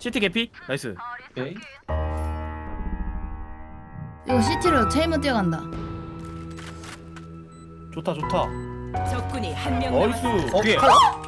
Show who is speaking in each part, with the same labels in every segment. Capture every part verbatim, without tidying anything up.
Speaker 1: 시티 개피 나이스.
Speaker 2: 오케이.
Speaker 3: 이거 시티로 체이먼 뛰어간다.
Speaker 1: 좋다 좋다.
Speaker 4: 적군이 한 명
Speaker 1: 나이스.
Speaker 4: 남았습니다.
Speaker 1: 어, 뒤에.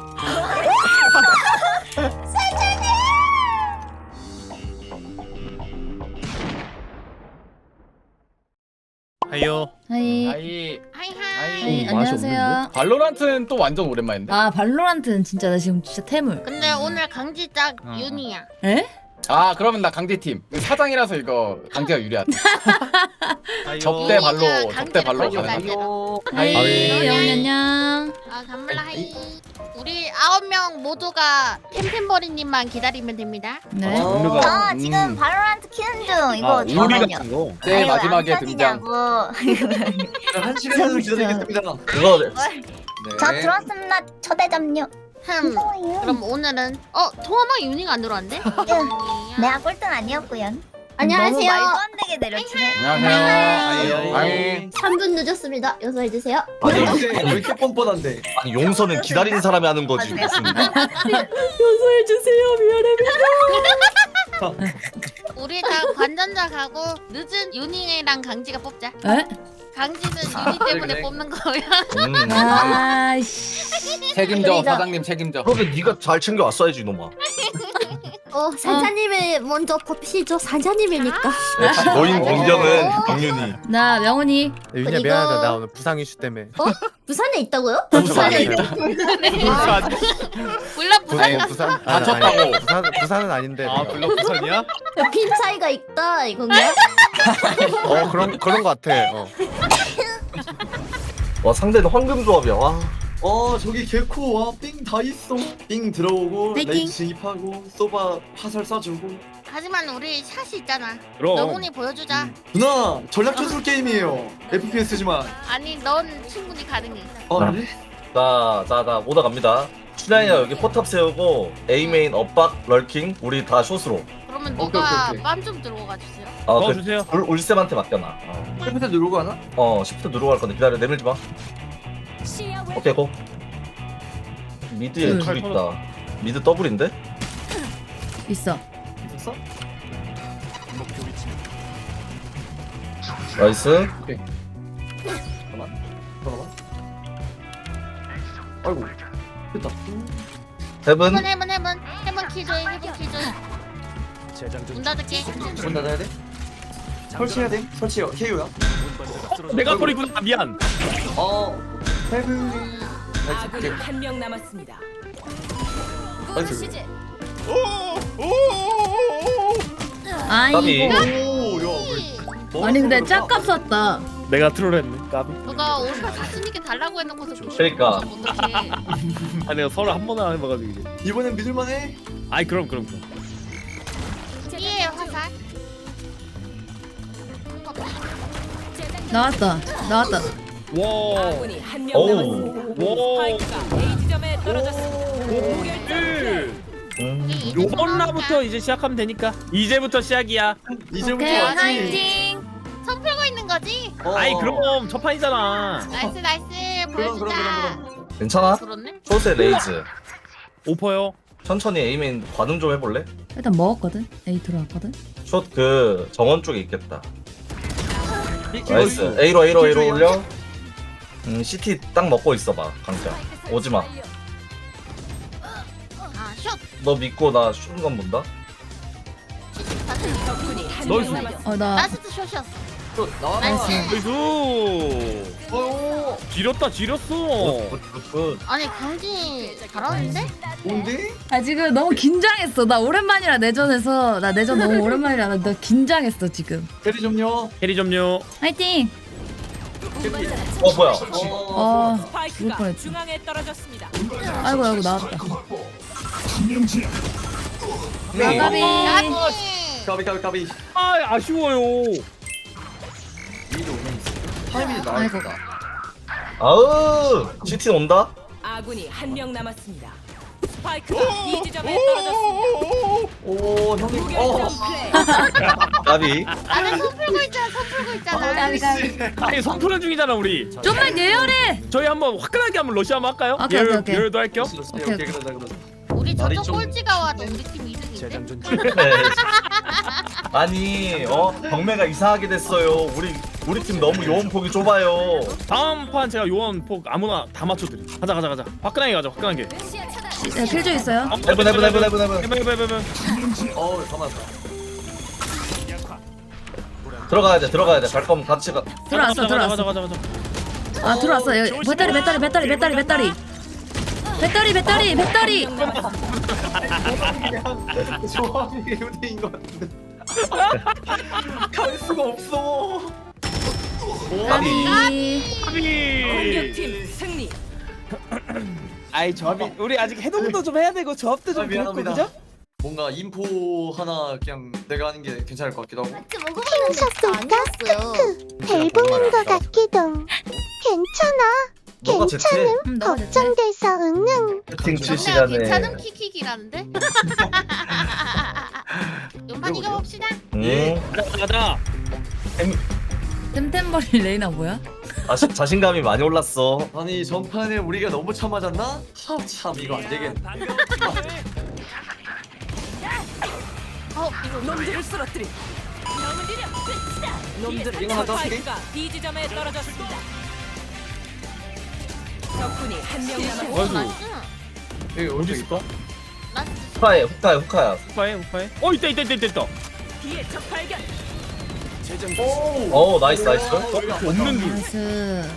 Speaker 1: 하이요.
Speaker 3: 하이.
Speaker 2: 아이
Speaker 5: 하이하이.
Speaker 3: 하이,
Speaker 2: 맛이
Speaker 3: 안녕하세요.
Speaker 2: 발로란트는 또 완전 오랜만인데?
Speaker 3: 아 발로란트는 진짜 나 지금 진짜 태물.
Speaker 5: 근데 오늘 강지작
Speaker 1: 어.
Speaker 5: 윤이야.
Speaker 3: 에?
Speaker 2: 아 그러면 나 강제팀 사장이라서 이거 강제가 유리하다.
Speaker 1: 하이요.
Speaker 2: 접대 발로
Speaker 5: 윤이가
Speaker 2: 접대 발로
Speaker 5: 강제로
Speaker 2: 가능하다.
Speaker 5: 가요.
Speaker 3: 하이.
Speaker 2: 하이.
Speaker 3: 영이 안녕.
Speaker 5: 아 감말라 하이. 우리 아홉 명 모두가 템템버리님만 기다리면 됩니다.
Speaker 3: 네.
Speaker 2: 어.
Speaker 1: 우리가
Speaker 6: 저
Speaker 2: 음.
Speaker 6: 지금 바로란트 키는 중. 이거
Speaker 1: 아, 우리가
Speaker 6: 잠깐만요.
Speaker 1: 이거.
Speaker 2: 제일
Speaker 6: 아이고,
Speaker 2: 마지막에
Speaker 6: 안
Speaker 2: 등장.
Speaker 6: 터지냐고.
Speaker 7: 한 시간을 기다리겠습니다.
Speaker 8: 그거
Speaker 6: 저 들어왔습니다. 초대점요.
Speaker 5: 흠.
Speaker 6: 무서워요.
Speaker 5: 그럼 오늘은 어 통화방 윤이가 안 들어왔는데?
Speaker 6: 내가 꼴등 아니었고요.
Speaker 9: 안녕하세요.
Speaker 6: 너무 말도 안 되게 내려치네.
Speaker 2: 안녕하세요.
Speaker 1: 하이.
Speaker 2: 아이.
Speaker 9: 삼 분 늦었습니다. 요소해 주세요.
Speaker 7: 아니 왜 이렇게 뻔뻔한데?
Speaker 8: 아니 용서는 기다리는 사람이 하는 거지.
Speaker 6: 맞아요.
Speaker 8: 무슨.
Speaker 3: 요소해 주세요. 미안해.
Speaker 5: 우리 다 관전자 가고 늦은 윤이랑 강지가 뽑자.
Speaker 3: 에?
Speaker 5: 강지는 윤이 때문에
Speaker 7: 그래.
Speaker 5: 뽑는 거야.
Speaker 8: 음.
Speaker 3: 아이씨.
Speaker 2: 책임져
Speaker 6: 우리가-
Speaker 2: 사장님 책임져.
Speaker 8: 그러면 네가 잘 챙겨 왔어야지 이놈아.
Speaker 9: 어, 사장님을 먼저 뽑히죠. 사장님이니까.
Speaker 8: 역시 노인 공격은 경륜이.
Speaker 3: 나 명훈이.
Speaker 10: 윤희야
Speaker 9: 그리고-
Speaker 10: 미안하다 나 오늘 부상 이슈 때문에
Speaker 9: 부산에 있다고요?
Speaker 10: 부산에
Speaker 9: 부산에
Speaker 10: 부산
Speaker 5: 물론 부산
Speaker 10: 아니 부산 아니,
Speaker 2: 다쳤다고.
Speaker 10: 아니, 부산 부산은 아닌데
Speaker 1: 아
Speaker 10: 내가.
Speaker 1: 블록 부산이야?
Speaker 9: 핀 차이가 있다 이건가?
Speaker 10: 어 그런 그런 거 같아 어.
Speaker 8: 와 상대는 황금 조합이야. 와.
Speaker 7: 어 저기 개코 와삥 다 있어. 삥 들어오고
Speaker 3: 파이팅.
Speaker 7: 레이 진입하고 소바 화살 쏴주고.
Speaker 5: 하지만 우리 샷이 있잖아.
Speaker 1: 그럼.
Speaker 5: 너훈이 보여주자.
Speaker 7: 누나 전략 전술 게임이에요. 에프피에스지만.
Speaker 5: 아니 넌 충분히 가능해.
Speaker 7: 어
Speaker 8: 아.
Speaker 7: 그래?
Speaker 8: 자, 자, 자, 오다 갑니다. 춘향이가 여기 포탑 세우고 A 메인 엇박 럴킹 우리 다 숏으로.
Speaker 5: 그러면
Speaker 7: 오케이,
Speaker 5: 누가
Speaker 7: 오케이, 오케이.
Speaker 5: 빰 좀 들어가 주세요.
Speaker 8: 아, 그
Speaker 1: 넣어주세요.
Speaker 8: 울- 울쌤한테 맡겨놔. 어,
Speaker 7: 컴퓨터 누르고 하나?
Speaker 8: 어 시프트 누르고 갈 건데 기다려. 내밀지 마. 오케이 고. 미드에
Speaker 3: 둘.
Speaker 8: 둘 있다. 미드 더블인데?
Speaker 3: 있어.
Speaker 7: 있었어?
Speaker 8: 나이스.
Speaker 7: 잠깐만. 잠깐만. 아이고. 됐다.
Speaker 8: 헤븐.
Speaker 5: 해븐 해븐 해븐 해븐 키조이 해븐 키조이. 문 닫을게.
Speaker 7: 문 닫아야 돼? 설치해야 돼? 설치요. 케이오야.
Speaker 1: 내가 버리구나. 아, 미안.
Speaker 7: 어. 헤븐.
Speaker 4: 아군이 한 명 남았습니다.
Speaker 7: 나이스.
Speaker 3: 아이.
Speaker 8: 까비.
Speaker 7: 오, 야. 왜-
Speaker 3: 아니 근데 짝값 샀다.
Speaker 1: 내가 트롤했네. 까비.
Speaker 5: 누가 오빠 자신 있게 달라고 해놓고서
Speaker 8: 그러니까.
Speaker 5: 어떡해.
Speaker 1: 아 내가 서로 한 번은 안 해봐가지고 이제.
Speaker 7: 이번엔 믿을만해?
Speaker 1: 아이 그럼 그럼 그럼.
Speaker 5: 삐에 화살.
Speaker 3: 나왔다. 나왔다.
Speaker 1: 와.
Speaker 4: 아군이 한 명
Speaker 8: 오우.
Speaker 4: 남았습니다.
Speaker 1: 와.
Speaker 4: 스파이크가 A 지점에 떨어졌습니다. 무결점
Speaker 8: 음.
Speaker 1: 요번 라부터 이제 시작하면 되니까. 이제부터 시작이야.
Speaker 7: 이제부터
Speaker 3: 오케이
Speaker 7: 하지.
Speaker 3: 화이팅.
Speaker 5: 손 풀고 있는 거지?
Speaker 7: 어.
Speaker 1: 아이 그럼 첫 판이잖아.
Speaker 5: 나이스 나이스
Speaker 7: 그럼
Speaker 5: 보여주자.
Speaker 7: 그럼 그럼
Speaker 8: 괜찮아?
Speaker 5: 그렇네.
Speaker 8: 숏에 레이즈.
Speaker 1: 오퍼요.
Speaker 8: 천천히 A 메인 관음 좀 해볼래?
Speaker 3: 일단 먹었거든. A 들어왔거든.
Speaker 8: 숏 그 정원 쪽에 있겠다.
Speaker 7: 그럼.
Speaker 8: 나이스. A로 A로 A로 올려. 음 시티 딱 먹고 있어봐 강자. 오지마.
Speaker 5: 아 슛.
Speaker 8: 너 믿고 나 슛건 본다.
Speaker 4: 적군이 한
Speaker 1: 나이스.
Speaker 4: 명 남았습니다.
Speaker 3: 어 나.
Speaker 5: 라스트 슛이었어.
Speaker 7: 또 나와.
Speaker 5: 나이스.
Speaker 1: 나이스.
Speaker 7: 어.
Speaker 1: 지렸다 지렸어.
Speaker 8: 굿굿.
Speaker 5: 아니 강지 잘하는데?
Speaker 7: 뭔데?
Speaker 3: 아 지금 너무 긴장했어. 나 오랜만이라 내전에서 나 내전 너무 오랜만이라 나, 나 긴장했어 지금.
Speaker 7: 대리 좀요.
Speaker 1: 캐리 점요.
Speaker 3: 화이팅.
Speaker 8: 어 뭐야?
Speaker 7: 어.
Speaker 3: 어.
Speaker 4: 스파이크가
Speaker 3: 뻔했지.
Speaker 4: 중앙에 떨어졌습니다.
Speaker 3: 아이고 아이고 나왔다.
Speaker 7: 네.
Speaker 3: 나가비.
Speaker 5: 야미.
Speaker 7: 까비 까비 까비.
Speaker 1: 아 아쉬워요.
Speaker 7: 미드 오면 있어. 타이밍이
Speaker 3: 아이고.
Speaker 7: 나왔다.
Speaker 8: 아우 시티 온다.
Speaker 4: 아군이 한 명 남았습니다. 스파이크가 B 지점에 떨어졌습니다.
Speaker 7: 오 형님. 어.
Speaker 4: 무결점 플레이.
Speaker 8: 까비.
Speaker 5: 나는 손 풀고 있잖아 손 풀고 있잖아.
Speaker 3: 가비 가비.
Speaker 1: 아니 손푸는 중이잖아 우리.
Speaker 3: 좀만 예열해.
Speaker 1: 저희 한번 화끈하게 한번 러시 한번 할까요?
Speaker 3: 오케이,
Speaker 1: 예열,
Speaker 3: 오케이, 오케이.
Speaker 1: 예열도 할게요.
Speaker 7: 오케이 오케이 그러자 그러자.
Speaker 5: 우리
Speaker 7: 날이
Speaker 5: 저쪽
Speaker 7: 좀-
Speaker 5: 꼴찌가 와도 우리 팀 이득이야.
Speaker 8: 네. 아니 어 경매가 이상하게 됐어요. 우리 우리 팀 너무 요원폭이 좁아요.
Speaker 1: 다음 판 제가 요원 폭 아무나 다 맞춰드림. 가자 가자 가자. 화끈하게 가자 화끈하게.
Speaker 3: 네, 필조 있어요.
Speaker 8: 해븐 해븐 해븐 해븐 해븐.
Speaker 1: 해븐 해븐 해븐.
Speaker 7: 어우 가만.
Speaker 8: 들어가야 돼 들어가야 돼. 갈 거면 같이 가.
Speaker 3: 들어왔어
Speaker 1: 가자 가자
Speaker 3: 들어왔어.
Speaker 1: 가자 가자.
Speaker 3: 아 들어왔어. 여기 배터리 배터리 배터리 배터리 배터리. 배터리 배터리 배터리.
Speaker 7: 조합이 후대인 것 같은데. 갈 수가 없어.
Speaker 3: 아비.
Speaker 4: 공격팀 승리.
Speaker 1: 아이 조합이 우리 아직 해동도 좀 해야 되고 조합도
Speaker 7: 아,
Speaker 1: 좀 그렇고
Speaker 7: 미안합니다.
Speaker 1: 그죠?
Speaker 7: 뭔가 인포 하나 그냥 내가 하는 게 괜찮을 것 같기도 하고.
Speaker 9: 아니었어요.
Speaker 6: 벨붕인 것 같기도. 괜찮아.
Speaker 8: 너가 제체
Speaker 3: 음, 너가 됐지.
Speaker 6: 걱정돼서 응응.
Speaker 8: 채팅 칠
Speaker 5: 정말
Speaker 8: 시간에.
Speaker 5: 괜찮은 킥킥이라는데? 연판 이겨봅시다.
Speaker 8: 음.
Speaker 1: 가자 가자.
Speaker 3: 템템버리 레이나 뭐야?
Speaker 8: 자신 자신감이 많이 올랐어.
Speaker 7: 아니 전판에 우리가 너무 참맞았나? 하, 참 이거 안 되겠네.
Speaker 4: 어, 놈들을 쓰러뜨리. 놈들을
Speaker 7: 이거 하나
Speaker 4: 스파이크가 B 지점에 떨어졌습니다. 적군이 한 명 남았습니다.
Speaker 1: 아이고
Speaker 7: 여기
Speaker 1: 어디 있을까?
Speaker 8: 후카야 후카야 후카야.
Speaker 1: 후파해 후파해. 어 있다 있다 있다 있다 있다.
Speaker 4: 뒤에 적 발견.
Speaker 8: 어 나이스 나이스.
Speaker 1: 없는 줄.
Speaker 3: 나이스.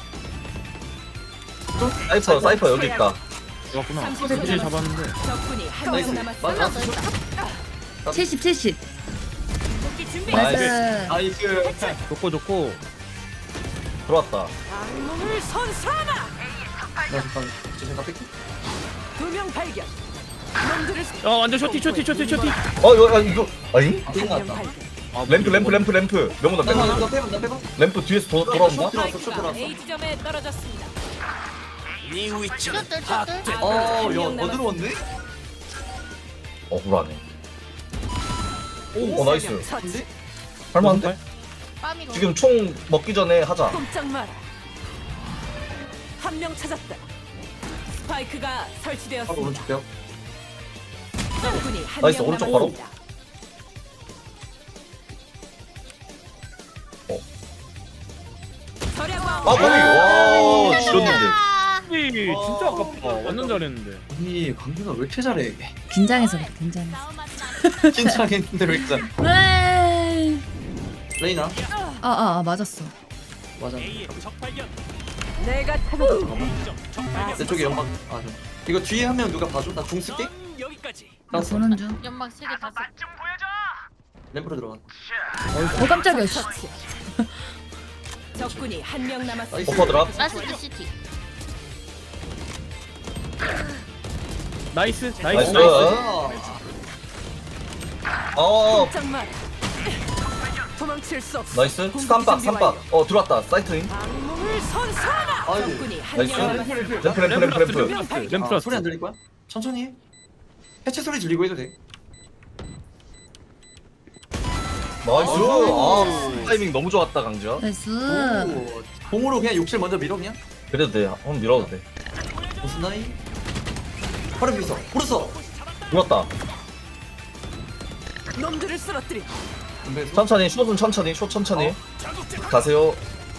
Speaker 8: 사이퍼 사이퍼 여기 있다.
Speaker 1: 좋았구나.
Speaker 4: 삼십
Speaker 1: 굳이
Speaker 4: 초
Speaker 1: 잡았는데.
Speaker 4: 적군이 한
Speaker 7: 나이스.
Speaker 4: 명 남았습니다.
Speaker 7: 맞아.
Speaker 3: 칠십 칠십.
Speaker 4: 복귀 준비.
Speaker 3: 나이스.
Speaker 7: 나이스.
Speaker 1: 좋고 좋고.
Speaker 8: 들어왔다.
Speaker 4: 악몽을 선사하라.
Speaker 7: 나 잠깐 제 생각 뺄게.
Speaker 4: 두 명 발견. 놈들을
Speaker 1: 어 완전 쇼티 쇼티 쇼티 쇼티.
Speaker 8: 어 이거 아, 이거 아니?
Speaker 7: 아, 생각났다.
Speaker 1: 아,
Speaker 8: 램프 램프 램프 램프. 명문다
Speaker 7: 나, 나,
Speaker 8: 램프.
Speaker 7: 나 빼봐, 나 빼봐.
Speaker 8: 램프 뒤에서 도, 돌아온다.
Speaker 7: 들어왔어, 쭉
Speaker 4: 스파이크가
Speaker 7: 들어왔어.
Speaker 4: A 지점에 떨어졌습니다.
Speaker 5: 쭈들 쭈들.
Speaker 7: 어, 야, 더 들어왔네?
Speaker 8: 억울하네. 오, 어 나이스.
Speaker 7: 근데?
Speaker 8: 할만한데?
Speaker 5: 빰이로.
Speaker 8: 지금 총 먹기 전에 하자.
Speaker 4: 꼼짝 마라. 한 명 찾았다. 스파이크가
Speaker 7: 바로
Speaker 4: 설치되었습니다.
Speaker 7: 오른쪽 벽.
Speaker 4: 적군이 한
Speaker 8: 나이스,
Speaker 4: 명
Speaker 8: 오른쪽
Speaker 4: 남았습니다.
Speaker 8: 어.
Speaker 4: 절약왕.
Speaker 8: 아 머리. 와 지렸는데.
Speaker 1: 진짜 아깝다. 완전 잘했는데.
Speaker 7: 아니, 광준아 왜 이렇게 잘해?
Speaker 3: 긴장해서 그래 긴장해서.
Speaker 7: 긴장했는데 왜 이렇게 잘해?
Speaker 3: 네.
Speaker 7: 레이나?
Speaker 3: 아아 아, 맞았어.
Speaker 7: 맞아.
Speaker 4: 내가 찾아도
Speaker 7: 내 쪽에 연막. 아, 저. 이거 뒤에 한 명 누가 봐줘? 나 궁 쓸게.
Speaker 3: 나 보는 중.
Speaker 5: 연막 세개 다 써.
Speaker 7: 램프로 들어가.
Speaker 3: 어 깜짝이야. 씨.
Speaker 4: 적군이 한 명 남았습니다.
Speaker 8: 오퍼 드랍.
Speaker 5: 라스트 시티.
Speaker 1: 나이스 나이스
Speaker 8: 나이스.
Speaker 1: 나이스.
Speaker 8: 어
Speaker 4: 꼼짝 마라. 도망칠 수 없어.
Speaker 8: 나이스. 삼박 삼박. 어 들어왔다. 사이트인.
Speaker 4: 악몽을 선사하라.
Speaker 7: 아이고.
Speaker 4: 적군이 한
Speaker 8: 나이스.
Speaker 4: 명 남았습니다.
Speaker 8: 램프 램프 램프 램프.
Speaker 1: 램프 램프
Speaker 7: 아, 소리 안 들릴 거야? 천천히 해. 해체 소리 들리고 해도 돼.
Speaker 8: 나이스.
Speaker 7: 오.
Speaker 8: 아 타이밍 너무 좋았다 강지야.
Speaker 3: 나이스.
Speaker 7: 오, 공으로 그냥 욕실 먼저 밀어 그냥.
Speaker 8: 그래도 돼. 한번 밀어도 돼.
Speaker 7: 무슨 나이? 바로 밀었어. 불었어.
Speaker 8: 죽었다.
Speaker 4: 놈들을 쓰러뜨리.
Speaker 7: 근데
Speaker 8: 천천히 숏은 천천히 숏 천천히. 가세요.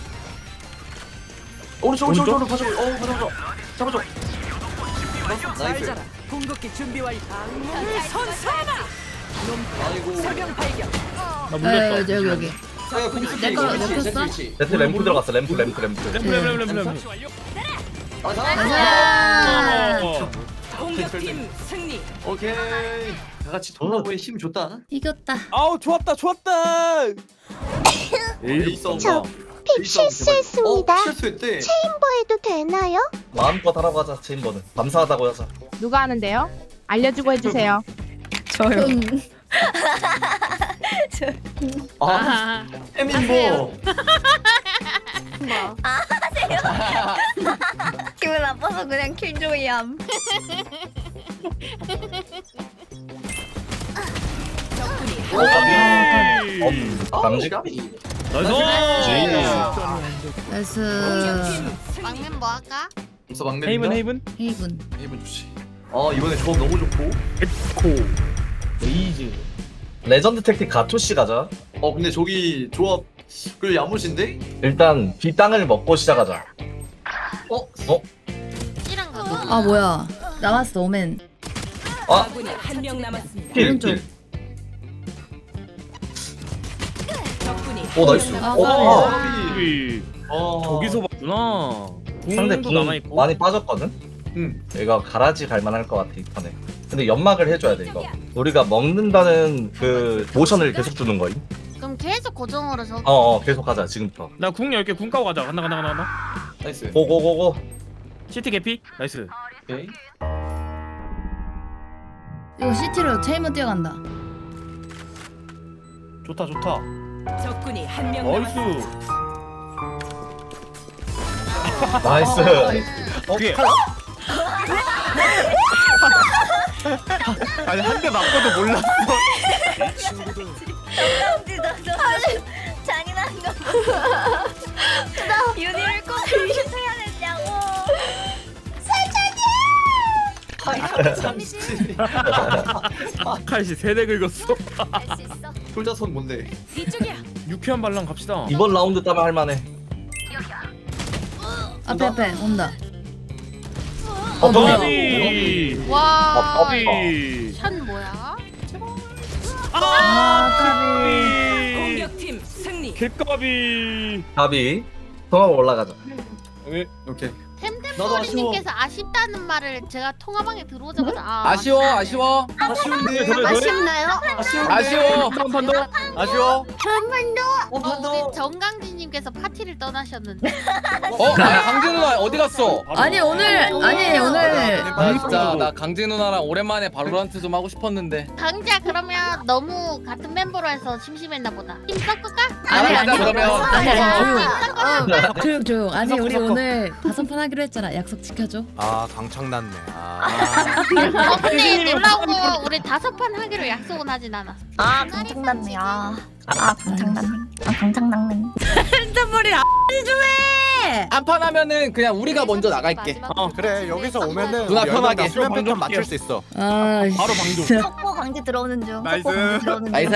Speaker 7: 오른쪽 오른쪽 오른쪽 봐줘. 어 봐줘 봐줘. 잡아줘.
Speaker 4: 잘
Speaker 7: 나이스.
Speaker 4: 자라. 궁극기 준비 완료. 악몽을 선사하라.
Speaker 7: 아이고.
Speaker 4: 설명 발견.
Speaker 1: 나
Speaker 3: 에
Speaker 1: 물렸다.
Speaker 3: 여기 여기.
Speaker 7: 야 공수
Speaker 3: 내 거, 내 거 써?
Speaker 8: 네트 램프 들어갔어. 램프 램프 램프.
Speaker 1: 램프 램프 램프 램프.
Speaker 7: 아
Speaker 3: 가자.
Speaker 1: 어.
Speaker 4: 공격팀 승리.
Speaker 7: 오케이. 다 같이 돌아보에 힘 줬다.
Speaker 3: 이겼다.
Speaker 1: 아우 좋았다 좋았다.
Speaker 7: 에이 써.
Speaker 6: 픽 실수했습니다.
Speaker 7: 어, 실수했대.
Speaker 6: 체인버해도 되나요?
Speaker 8: 마음껏 하라고 하자. 체인버는. 감사하다고 하자.
Speaker 11: 누가 하는데요? 알려주고 해주세요.
Speaker 3: 저요.
Speaker 7: 아, 해민보.
Speaker 6: 기분 나빠서 그냥 킬조이함.
Speaker 4: 적군이
Speaker 8: 어, 음, 강지.
Speaker 7: 까비.
Speaker 1: 나이스.
Speaker 3: 나이스.
Speaker 5: 막면 뭐 할까?
Speaker 7: 벌써 막내.
Speaker 1: 헤이븐 헤이븐.
Speaker 3: 헤이븐.
Speaker 7: 헤이븐 좋지. 아 이번에 조합 너무 좋고.
Speaker 1: 에코. 레이즈.
Speaker 8: 레전드 택틱 가토시 가자.
Speaker 7: 어 근데 저기 조합 그 야무진데?
Speaker 8: 일단 B 땅을 먹고 시작하자.
Speaker 7: 어?
Speaker 8: 어?
Speaker 5: C랑 가고.
Speaker 3: 아 뭐야 남았어 오멘.
Speaker 8: 아
Speaker 4: 아군이 한 명 남았습니다.
Speaker 8: 필
Speaker 3: 오른쪽.
Speaker 8: 필.
Speaker 4: 적군이
Speaker 8: 오 나이스.
Speaker 3: 아,
Speaker 8: 오.
Speaker 1: 우리
Speaker 7: 어
Speaker 1: 저기서 봤구나.
Speaker 8: 상대
Speaker 1: 공도
Speaker 8: 궁
Speaker 1: 남아 있고.
Speaker 8: 많이 빠졌거든.
Speaker 7: 응.
Speaker 8: 얘가 가라지 갈만할 것 같아 이 판에. 근데 연막을 해줘야 돼 이거. 우리가 먹는다는 그 모션을 계속 주는 거임.
Speaker 5: 그럼 계속 고정으로 저.
Speaker 8: 어어 계속 가자 지금부터.
Speaker 1: 나궁 열 개 궁 까고 가자. 간다 간다 간다 간다.
Speaker 7: 나이스
Speaker 8: 고고고고.
Speaker 1: 시티 개피. 나이스.
Speaker 7: 오케이
Speaker 3: 이거 시티로 체인문 뛰어간다.
Speaker 1: 좋다 좋다.
Speaker 4: 적군이 한 명
Speaker 1: 나이스.
Speaker 8: 나이스.
Speaker 10: 어,
Speaker 1: 뒤에.
Speaker 10: 칼- 아니 한 대 맞고도 몰랐어.
Speaker 6: 잔인한 거. 나 윤희를 꼭 그렇게 해야 됐냐고.
Speaker 1: 칼씨 세대 긁었어.
Speaker 7: 솔자손 뭔데?
Speaker 4: 이쪽이야.
Speaker 1: 유쾌한 반란 갑시다.
Speaker 8: 이번 라운드 따면 할만해.
Speaker 3: 앞에 앞에 온다.
Speaker 8: 어 뭐야?
Speaker 1: 까비.
Speaker 5: 와.
Speaker 8: 아,
Speaker 1: 까비.
Speaker 5: 샷 뭐야?
Speaker 3: 아 까비.
Speaker 4: 공격팀 승리.
Speaker 1: 개까비.
Speaker 8: 답이 통합 올라가자.
Speaker 1: 왜?
Speaker 7: 오케이
Speaker 5: 템템버리님께서 아쉽다는 말을 제가 통화방에 들어오자마자 아,
Speaker 2: 아쉬워 아쉬워
Speaker 7: 아쉬운데
Speaker 1: 그래, 그래.
Speaker 6: 아쉽나요?
Speaker 2: 아쉬워
Speaker 1: 한판 더.
Speaker 10: 아쉬워.
Speaker 5: 어, 우리 정강진님께서 파티를 떠나셨는데.
Speaker 2: 어? 아 강진 누나 어디 갔어?
Speaker 3: 아니 오늘 아니 오늘
Speaker 2: 아 진짜 나 강진 누나랑 오랜만에 바로란트 좀 하고 싶었는데
Speaker 5: 강지야 그러면 너무 같은 멤버로 해서 심심했나 보다. 팀 섞을까?
Speaker 3: 아니 아니
Speaker 2: 그러면
Speaker 3: 아니 아니
Speaker 5: 섞으면
Speaker 3: 조용 조용. 아니
Speaker 1: 섞어,
Speaker 3: 우리
Speaker 1: 섞어.
Speaker 3: 오늘 다섯 판 하기로 했잖아. 약속 지켜줘.
Speaker 10: 아 강창났네. 아.
Speaker 5: 어 근데 놀라운 거 우리 다섯 판 하기로 약속은 하진 않았어.
Speaker 6: 아 강창났네. 아, 아 강창났네. 아 강창났네.
Speaker 3: 템템버리 아니 좀 해.
Speaker 2: 한 판 하면은 그냥 우리가 먼저 나갈게
Speaker 1: 어.
Speaker 10: 그래 여기서 오면은
Speaker 2: 누나
Speaker 10: 우리
Speaker 2: 편하게.
Speaker 10: 수면 패턴
Speaker 1: 방금
Speaker 10: 맞출 수 있어.
Speaker 3: 아
Speaker 1: 바로 방조.
Speaker 6: 속보 강제 들어오는 중.
Speaker 10: 나이스.
Speaker 6: 속보 강제 들어오는 중.
Speaker 2: 나이스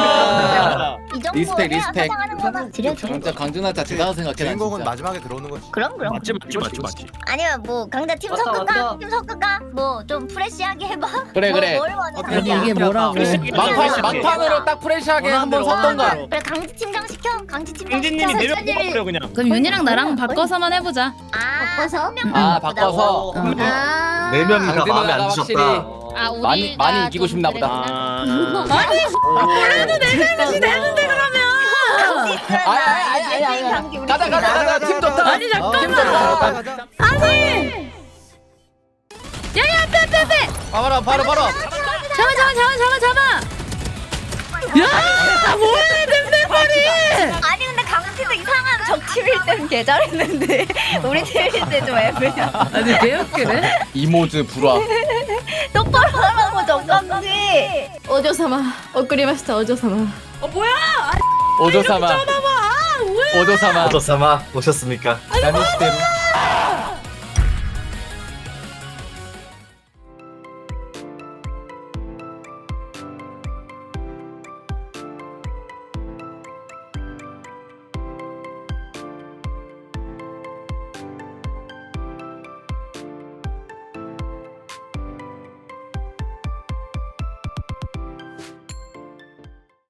Speaker 6: 이 정도
Speaker 2: 리스펙,
Speaker 6: 해야
Speaker 2: 리스펙.
Speaker 6: 사장하는 거다. 지려 지려.
Speaker 2: 진짜 강준아 진짜 대단하다 생각해 나
Speaker 10: 주인공은
Speaker 2: 진짜
Speaker 10: 마지막에 들어오는 거지.
Speaker 6: 그럼 그럼.
Speaker 1: 맞지 맞지 맞지 맞지.
Speaker 6: 아니면 뭐 강자 팀
Speaker 7: 맞다,
Speaker 6: 섞을까?
Speaker 7: 맞다.
Speaker 6: 팀 섞을까? 뭐 좀 프레시하게 해봐.
Speaker 2: 그래,
Speaker 6: 뭐,
Speaker 2: 그래.
Speaker 6: 뭘 원해?
Speaker 3: 아니 이게 뭐라고?
Speaker 2: 막판, 막판으로 딱 프레시하게 한번 섰던가
Speaker 6: 그래 강지 팀장 시켜. 강지 팀장 시켜.
Speaker 1: 강진님이 내려 뽑아버려 그냥.
Speaker 3: 그럼 윤이랑 나랑 바꿔서만 해보자.
Speaker 6: 아 바꿔서?
Speaker 2: 아 바꿔서
Speaker 6: 아.
Speaker 8: 네 명이 다
Speaker 2: 강진
Speaker 8: 마음에
Speaker 2: 누나가
Speaker 8: 안
Speaker 2: 확실히
Speaker 8: 드셨다.
Speaker 5: 아 우리가
Speaker 2: 많이- 많이 이기고
Speaker 5: 좀
Speaker 2: 싶나 보다.
Speaker 5: 그랬구나.
Speaker 1: 아.
Speaker 3: 그래도 내 잘못이 되는데 그러면.
Speaker 2: 아니 아니 아니 아니 아니 가자 가자 가자 팀 좋다
Speaker 3: 아니
Speaker 2: 팀
Speaker 3: 잠깐만.
Speaker 2: 좋다
Speaker 10: 가자.
Speaker 3: 아니. 야야 앞에 앞에 앞에.
Speaker 2: 바로 바로 바로
Speaker 3: 잡아 잡아 잡아 잡아 잡아. 야 뭐해 템템버리.
Speaker 6: 아니 근데 강팀도 이상한 적팀일 때는 개 잘했는데 우리 팀일 때 좀 애매야.
Speaker 3: 아니 개웃기네.
Speaker 2: 이모즈 불화
Speaker 6: 똑바로 하라고 정강지.
Speaker 9: 오조사마 오크리마시타 오조사마.
Speaker 2: 오조사마 오조사마
Speaker 8: 어쩌사마 오셨습니까?
Speaker 2: 야미시대로